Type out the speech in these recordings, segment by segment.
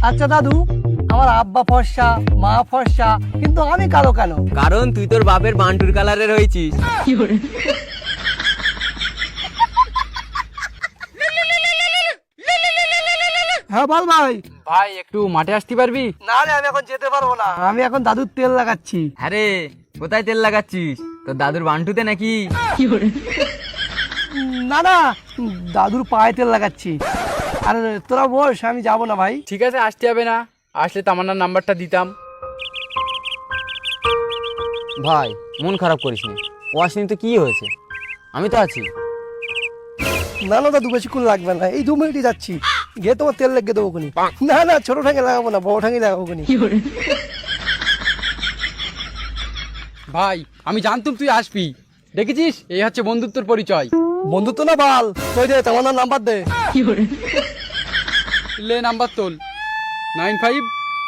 আচ্ছা দাদু, আমার আব্বা ফর্সা, মা ফর্সা, কিন্তু আমি কালো কেন? কারণ তুই তোর বাপের বান্টুর কালারের হয়েছিস। হ্যাঁ বল ভাই। ভাই একটু মাঠে আসতে পারবি? না রে, আমি এখন যেতে পারবো না, আমি এখন দাদুর তেল লাগাচ্ছি। আরে কোথায় তেল লাগাচ্ছিস? তোর দাদুর বান্টুতে নাকি? না না, দাদুর পায়ে তেল লাগাচ্ছি। আরে তোরা বস, আমি যাবো না ভাই। ঠিক আছে, আসতে হবে না, আসলে তামান্নার নাম্বারটা দিতাম। ভাই মন খারাপ করিস নি, ও আসেনি তো কি হয়েছে, আমি তো আছি। না না দাদু, বেশিক্ষণ লাগবে না, এই 2 মিনিটই যাচ্ছি, গিয়ে তোমার তেল লেগে দেবো কোনি। না না, ছোট ঠাঙ্গে লাগাবো না, বড় ঠাঙ্গে লাগাবো কোনি। ভাই আমি জানতুম তুই আসবি, দেখেছিস এই হচ্ছে বন্ধুত্বর পরিচয়। বন্ধুত্ব না বাল, তুই দে তোমার নাম্বার দে। লে নাম্বার তোল, 95।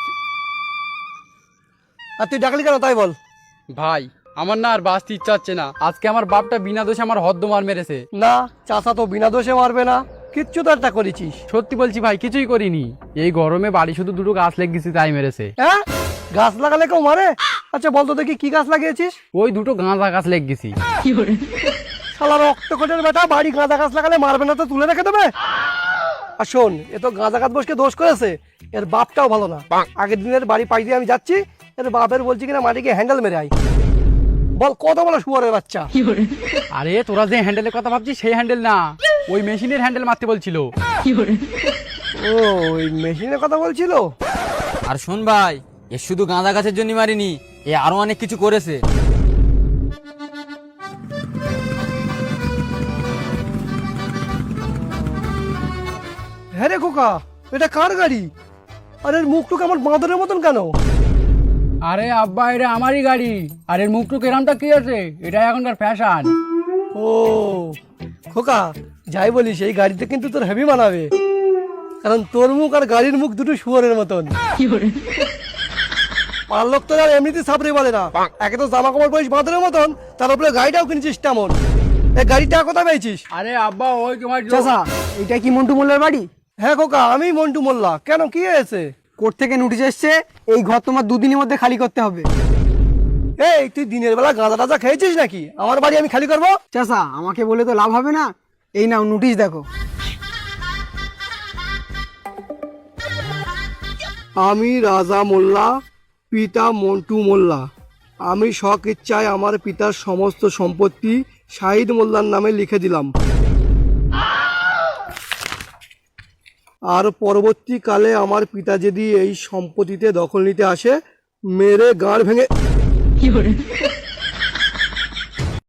আর তুই ডাকলি কেন তাই বল। ভাই আমার না আর বাঁচতে ইচ্ছা হচ্ছে না, আজকে আমার বাপটা বিনা দোষে আমার হদ্দমার মেরেছে। না, চাচা তো বিনা দোষে মারবে না, কিচ্ছু তো একটা করেছিস। সত্যি বলছি ভাই, কিছুই করিনি, এই গরমে বাড়ি শুধু দুটো গাছ লেগে গেছি তাই মেরেছে। হ্যাঁ, গাছ লাগালে কেউ মারে? আচ্ছা বলতো দেখি কি গাছ লাগিয়েছিস? ওই দুটো গাঁজা গাছ লেগে গেছি। শালা রক্তকোটের বেটা, বাড়ি গাঁদা গাছ লাগালে মারবে না তো তুলে রেখে দেবে? আর শোন, এ তো গাঁদা গাছ বসকে দোষ করেছে, এর বাপটাও ভালো না। আগের দিনের বাড়ি পাই দিয়ে আমি যাচ্ছি, এর বাপের বলছি কিনা মাটিকে হ্যান্ডেল মেরে আই। বল কত বলো শুয়ারের বাচ্চা। আরে তোরা যে হ্যান্ডেলের কথা ভাবছিস সেই হ্যান্ডেল না, ওই মেশিনের হ্যান্ডেল মারতে বলছিল। ও, ওই মেশিনের কথা বলছিল। আর শোন ভাই, এ শুধু গাঁদা গাছের জন্য মারিনি, এ আরো অনেক কিছু করেছে। হ্যাঁ রে খোকা, এটা কার গাড়ি? আর এর মুখটুক আমার বাঁদরের মতন কেন? আরে আব্বা, এটা আমারই গাড়ি, আর এর মুখ টুক এরামটা কি আছে, এটা এখনকার ফ্যাশন। ও খোকা, যাই বলিস এই গাড়িতে কিন্তু তোর হেভি মানাবে, কারণ তোর মুখ আর গাড়ির মুখ দুটো শুয়ারের মতন। পাড়ার লোক তো আর এমনিতে সাবরে বলে না, একে তো জামা কাপড় পরিস বাঁদরের মতন, তার উপরে গাড়িটাও কিনেছিস তেমন। এই গাড়িটা কোথায় পেয়েছিস? আরে আব্বা, ওই তোমার চাচা, এটা কি মন্টু মোল্লার বাড়ি? হ্যাঁ খোকা, আমি মন্টু মোল্লা। কেন, কি হয়েছে? কোর্ট থেকে নোটিশ এসছে, এই ঘর তোমার 2 দিনের মধ্যে খালি করতে হবে। এই তুই দিনের বেলা গাঁজা টাজা খেয়েছিস নাকি? আমার বাড়ি আমি খালি করবো? চাচা, আমাকে বলে তো লাভ হবে না, এই নাও নোটিশ দেখো। আমি রাজা মোল্লা, পিতা মন্টু মোল্লা, আমি স্বইচ্ছায় আমার পিতার সমস্ত সম্পত্তি শাহিদ মোল্লার নামে লিখে দিলাম। আর পরবর্তীকালে আমার পিতা যদি এই সম্পত্তিতে দখল নিতে আসে, মেরে গাঁড় ভেঙে